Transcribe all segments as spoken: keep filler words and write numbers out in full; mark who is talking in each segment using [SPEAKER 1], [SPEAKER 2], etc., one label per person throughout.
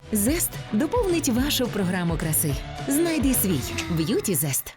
[SPEAKER 1] Зест доповнить вашу програму краси. Знайди свій Б'юті Зест.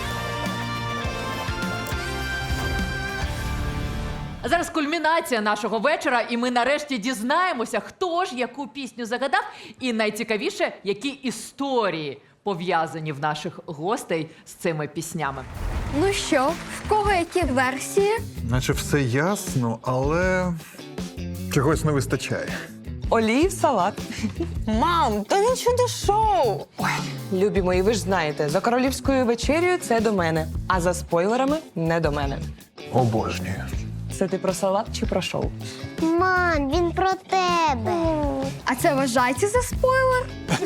[SPEAKER 2] Зараз кульмінація нашого вечора, і ми нарешті дізнаємося, хто ж яку пісню загадав, і найцікавіше, які історії пов'язані в наших гостей з цими піснями.
[SPEAKER 3] Ну що, в кого які версії?
[SPEAKER 4] Наче все ясно, але чогось не вистачає.
[SPEAKER 5] Олії в салат. Мам, та він чудо шоу. Ой, любі мої, ви ж знаєте, за королівською вечерею це до мене, а за спойлерами не до мене.
[SPEAKER 4] Обожнюю.
[SPEAKER 5] Це ти про салат чи про шоу?
[SPEAKER 6] Мам, він про тебе.
[SPEAKER 3] А це вважається за спойлер?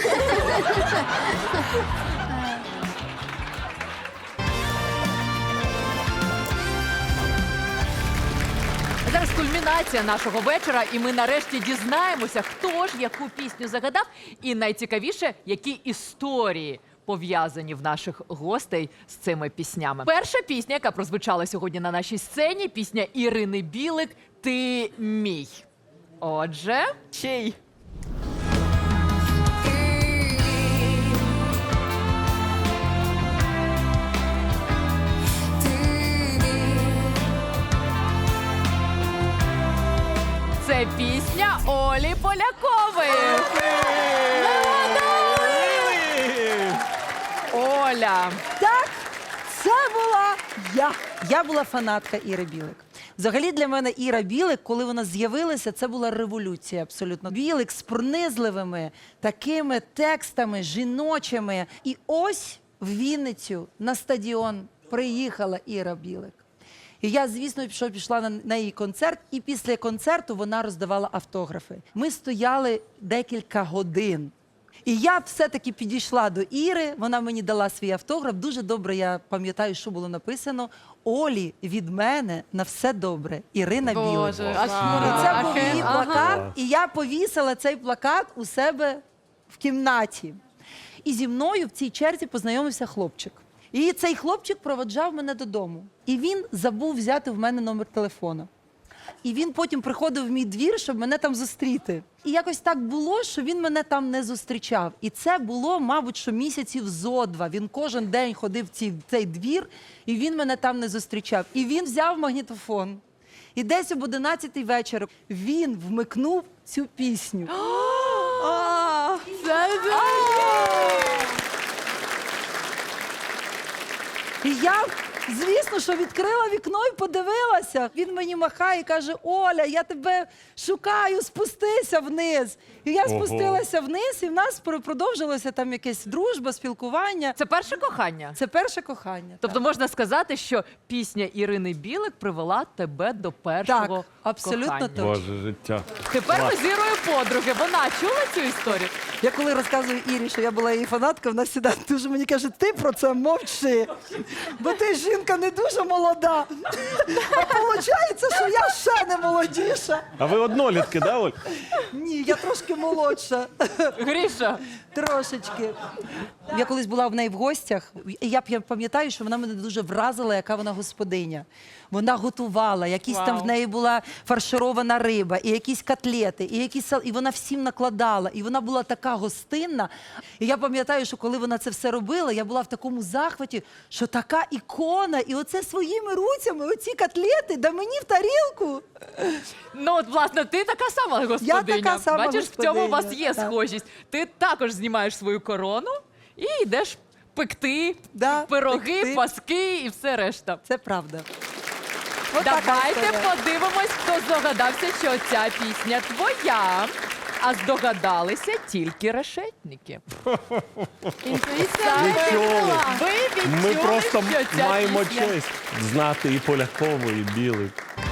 [SPEAKER 2] Зараз кульмінація нашого вечора, і ми нарешті дізнаємося, хто ж яку пісню загадав, і найцікавіше, які історії пов'язані в наших гостей з цими піснями. Перша пісня, яка прозвучала сьогодні на нашій сцені, пісня Ірини Білик «Ти мій». Отже, чий? Це пісня Олі Полякової. Оля.
[SPEAKER 7] Так, це була я. Я була фанатка Іри Білик. Взагалі для мене Іра Білик, коли вона з'явилася, це була революція абсолютно. Білик з пронизливими такими текстами жіночими. І ось в Вінницю на стадіон приїхала Іра Білик. І я, звісно, пішов, пішла на, на її концерт, і після концерту вона роздавала автографи. Ми стояли декілька годин. І я все-таки підійшла до Іри, вона мені дала свій автограф. Дуже добре я пам'ятаю, що було написано. Олі, від мене на все добре. Ірина Білик.
[SPEAKER 2] Боже, аж
[SPEAKER 7] І це був
[SPEAKER 2] мурахи.
[SPEAKER 7] її плакат, і я повісила цей плакат у себе в кімнаті. І зі мною в цій черзі познайомився хлопчик. І цей хлопчик проводжав мене додому. І він забув взяти в мене номер телефону. І він потім приходив в мій двір, щоб мене там зустріти. І якось так було, що він мене там не зустрічав. І це було, мабуть, що місяців зо два. Він кожен день ходив в цей, цей двір, і він мене там не зустрічав. І він взяв магнітофон. І десь об одинадцятій вечора він вмикнув цю пісню. І я, звісно, що відкрила вікно і подивилася. Він мені махає і каже: Оля, я тебе шукаю, спустися вниз. І я спустилася вниз, і в нас продовжилося там якесь дружба, спілкування.
[SPEAKER 2] Це перше кохання?
[SPEAKER 7] Це перше кохання.
[SPEAKER 2] Тобто можна сказати, що пісня Ірини Білик привела тебе до першого
[SPEAKER 7] Так, абсолютно
[SPEAKER 2] кохання.
[SPEAKER 7] точно.
[SPEAKER 8] Боже, життя.
[SPEAKER 2] Тепер ми з Ірою подруги. Вона чула цю історію?
[SPEAKER 7] Я коли розказую Ірі, що я була її фанаткою, вона завжди дуже мені каже: ти про це мовчи, бо ти жінка не дуже молода. А виходить, що я ще не молодіша.
[SPEAKER 8] А ви однолітки, да, Оль?
[SPEAKER 7] Ні, я трошки молодша.
[SPEAKER 2] Гріша.
[SPEAKER 7] Трошечки. Я колись була в неї в гостях, і я п'я- пам'ятаю, що вона мене дуже вразила, яка вона господиня. Вона готувала, якісь там
[SPEAKER 2] Вау.
[SPEAKER 7] в неї була фарширована риба, і якісь котлети, і якісь сал... і вона всім накладала. І вона була така гостинна. І я пам'ятаю, що коли вона це все робила, я була в такому захваті, що така ікона, і оце своїми руцями, оці котлети, да мені в тарілку.
[SPEAKER 2] Ну, от, власне, ти така сама господиня.
[SPEAKER 7] така сама
[SPEAKER 2] Бачиш, в цьому у вас
[SPEAKER 7] господиня,
[SPEAKER 2] є
[SPEAKER 7] так.
[SPEAKER 2] схожість. Ти також знімаєш свою корону і йдеш пекти
[SPEAKER 7] Да,
[SPEAKER 2] пироги,
[SPEAKER 7] пекти.
[SPEAKER 2] паски і все решта.
[SPEAKER 7] Це правда. От така
[SPEAKER 2] Давайте
[SPEAKER 7] історія.
[SPEAKER 2] подивимось, хто здогадався, що ця пісня твоя. А здогадалися тільки решетники. Інтуїція
[SPEAKER 8] Нічого.
[SPEAKER 2] Ви відчули,
[SPEAKER 8] Ми просто
[SPEAKER 2] що ця
[SPEAKER 8] маємо
[SPEAKER 2] пісня...
[SPEAKER 8] честь знати і Полякову, і Білик.